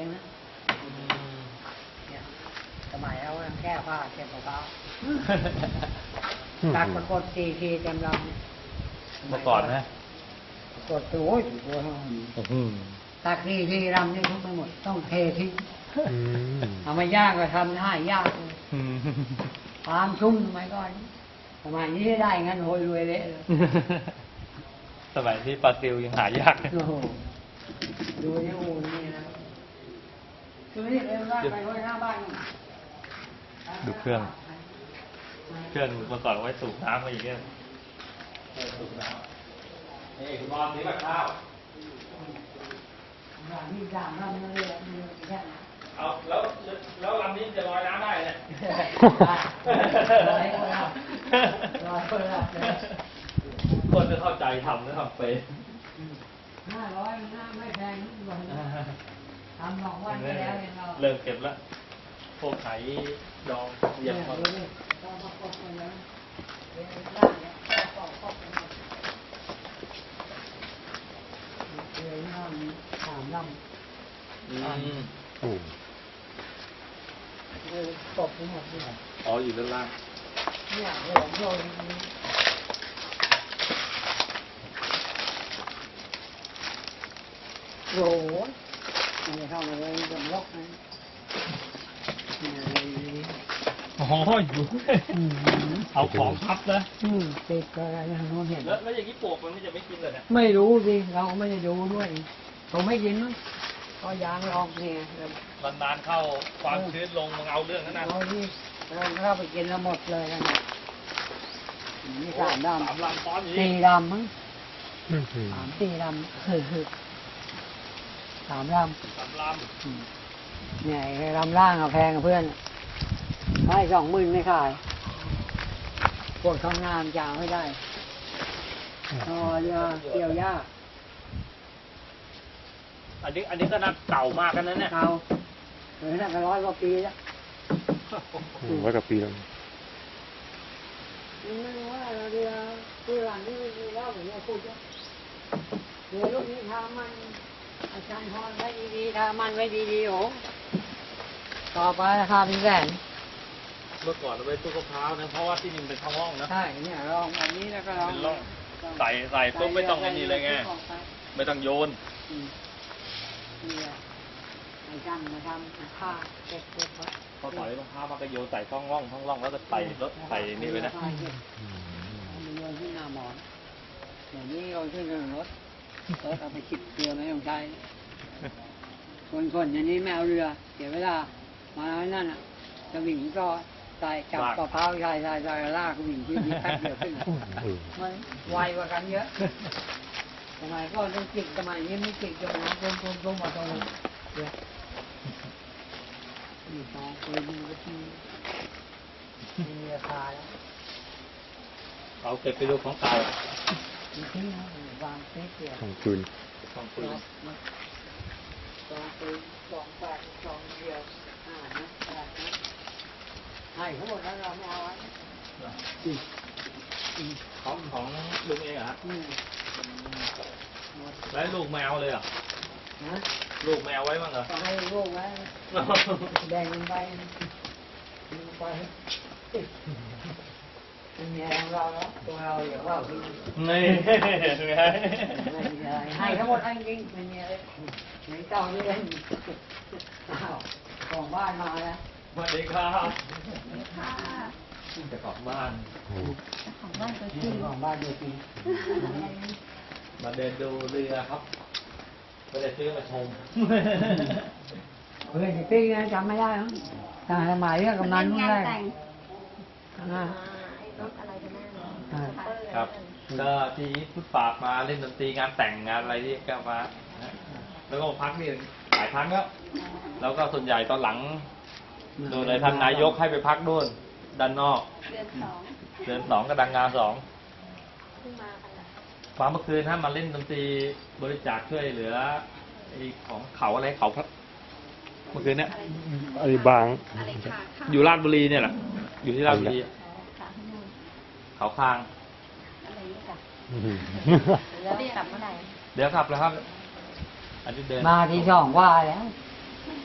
นะเนี่ยสมัยเราแก้ผ้าเก็บมะพร้าวตักปรากฏทีเต็มลำเนี่ยเมื่อก่อนนะกดโอ้ยตักทีรำนี่ทุกไปหมดต้องเททิ้งเอามาย่างก็ทำได้ยากเลยความชุ่มสมัยก่อนสมัยนี้ได้งั้นโหยรวยเละเลยสมัยที่ปลาซิวยังหายากโอ้โหดูนี่โอ้นี่นะคือนี่เร็วได้ไปไว้หน้าบ้านดูเครื่อง เครื่องเมื่อก่อนเอาไว้สูบน้ำมาอย่างเงี้ยสูบน้ำนี่คุณบอลซื้อแบบข้าวมีสามลำนั่นเลยมีแค่นั้นเอาแล้วลำนี้จะลอยน้ำได้เนี่ยลอยคนละลอยคนละคนจะเข้าใจทำแล้วทำเป็น 500มันไม่แพงวันทำสองวันไปแล้วเนี่ยเราเริ่มเก็บแล้วพวกไข่ดองเยี่ยมเนี่ยมากดูดิต้องประกบกันแล้วเวลาเนี่ยต้องประกบกันหมดเลยน้ำสามลำอืมเลยตบไปหมดเลยอ๋ออยู่ด้านล่างเนี่ยหัวโยนนี้โอ้โหมันจะเข้ามาเลยจะล็อกนะเนี่ยเลยอ๋ออยู่เอาของพับนะติดอะไรทางโน้นเห็นแล้วอย่างนี้ปลวกมันจะไม่กินเลยเนี่ยไม่รู้สิเราก็ไม่ได้ดูด้วยเขาไม่กินมั้งก็ยางลอกเนี่ยนานๆเข้าความชื้นลงมันเอาเรื่องนั้นนะเราที่เราเข้าไปกินแล้วหมดเลยกันเนี่ยมีสามดสามลำซ้อนอยู่ำนี่สี่ดำมั้งสี่ดำสามดสามลำเนี่ยไอ้ลำล่างอะแพงกับเพื่อนให้20,000ไม่ขายพวกทำงานจะเอาไม่ได้เรือเกี่ยวหญ้าำอันนี้ก็น่าเก่ามากกันนะเนี่ยเอาเหมือนนั่นก็100 กว่าปีแล้ว 100 กว่าปีแล้วไม่รู้ว่าเรือหลังนี่มีแล้วผมว่าพูดว่าเรือลูกนี้ทามันอาจารย์พรไว้ดีๆทามันไว้ดีๆโอ้ต่อไปราคาเป็นแสนเมื่อก่อนเราไปตู้มะพร้าวนะเพราะว่าที่นี่มันเป็นท้องร่องนะใช่เนี่ยลองแบบนี้แล้วก็ลองเป็นร่องใส่ปุ๊บไม่ต้องไอ้นี่เลยไงไม่ต้องโยนเนี่ยไอ้ช่างมาทำผ้าเก็บไว้พอต่อยมะพร้าวมันก็โยนใส่ท้องร่องแล้วก็ใส่รถใส่นี่ไว้นะมันโยนขึ้นหน้าหมอนอย่างนี้โยนขึ้นรถเอาไปขิดเรือไม่ต้องใช้คนอย่างนี้ไม่เอาเรือเดี๋ยวเวลามาแล้วนั่นอ่ะจะวิ่งก็ใส่จับกระเพราใส่ลากวิ่งขึ้นนี่แป๊บเดียวขึ้นมันไวกว่ากันเยอะสมัยก็ต้องจิกสมัยนี้ไม่จิกจนน้ำต้มมาตรงนี้เดี๋ยวนี่สองปืนมันก็ที่มีราคาแล้วเอาเก็บไปดูของเก่ามีทิ้งนะวางเซ็ตเดียวของคืนของปืนสองปืน2 เดียวนะให้ทั้งหมดแล้วเราไม่เอาไว้ของลุงเองเหรอฮะหมดแล้วลูกแมวเลยเหรอนะลูกแมวไว้บ้างเหรอก็ให้ลูกไว้แบ่งกันไปเป็นเมียของเราแล้วตัวเราอย่าว่าพี่นี่ไงไม่มีอะไรให้ทั้งหมดให้จริงไม่มีอะไรไหนเจ้านี่เล่นอ้าวของบ้านมาแล้วสวัสดีครับจะกลับบ้านของบ้านตัวจริงของบ้านตัวจริงมาเดินดูเรือครับไม่ได้ซื้อมาชมเพื่อนจะตีนะจำไม่ได้หรอทางสมัยเรื่องกำนันนู่นได้รถอะไรกันแน่ครับก็ที่พุทธฝากมาเล่นดนตรีงานแต่งงานอะไรที่ก็มาแล้วก็พักนี่หลายครั้งแล้วก็ส่วนใหญ่ตอนหลังโดยเลยท่านนายกให้ไปพักนู่นด้านนอกเดือน 2 เดือน 2กับดังงาน2 เพิ่งมากันแหละความเมื่อคืนถ้ามาเล่นดนตรีบริจาคช่วยเหลือไอ้ของเขาอะไรเขาพระเมื่อคืนเนี้ยอันนี้บางอะไรค่ะค่ะอยู่ราชบุรีเนี่ยแหละอยู่ที่ราชบุรีค่ะที่นู่นเขาคางอะไรนี่ค่ะอืมแล้วกลับเมื่อไหร่เดี๋ยวครับแล้วครับ อันนี้เดินมาที่2 ว่าแล้วม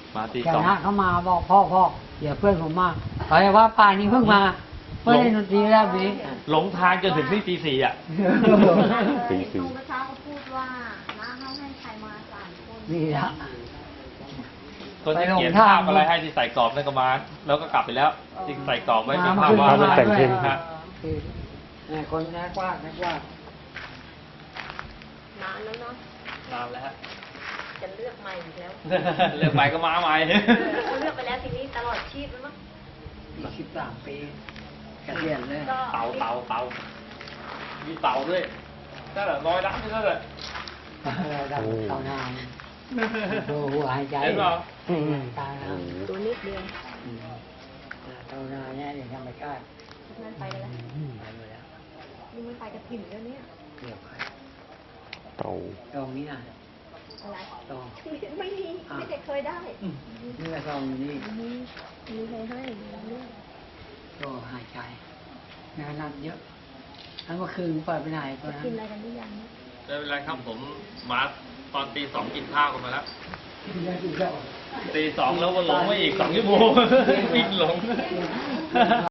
มาตีแกสองนะเขามาบอกพ่อเดี๋ยวเพื่อนผมมาเขาจะว่าป่านนี้เพิ่งมาเพื่อนเล่นดนตรีแล้วนี้หลงทางจนถึงนี่ตีสี่อ่ะตีสี่ตรงเมื่อเช้าเขาพูดว่าน้าเขาให้ใครมา3 คนนี่ละคนที่ไปหลงเขียนทางภาพอะไรให้ที่ใส่กรอบนั่นก็มา แล้วก็กลับไปแล้วที่ใส่กรอบไว้เป็นภาพวาดมาแต่งเพลงฮะเนี่ยคนนักวาดนานแล้วเนาะนานแล้วฮะจะเลือกใหม่อีกแล้วเลือกไปก็มาใหม่เขาเลือกไปแล้วทีนี้ตลอดชีพแล้วมั้ง 13 ปีเกษียณเลยก็เตามีเตาด้วยนั่นแหละร้อยล้านนี่นั่นแหละเตานานดูหัวหายใจเห็นเปล่าตายแล้วตัวนิดเดียวเตานานเนี่ยเดี๋ยวธรรมชาตินั่นไปกันแล้วไปหมดแล้วนี่ไม่ไปกับถิ่นแล้วเนี่ยเกี่ยวใครเตาตรงนี้นะอะไรตรงไม่มีไม่ได้เคยได้นี่ก็ตรงนี้มีใครให้เรื่องก็หายใจงานหนักเยอะทั้งเมื่อคืนเปิดไปไหนตอนนั้นกินอะไรกันหรือยังไม่เป็นไรครับผมมาตอนตีสองกินข้าวกันมาแล้ว ตีสองแล้วมาหลงมาอีก2 ชั่วโมง วิ่งหลง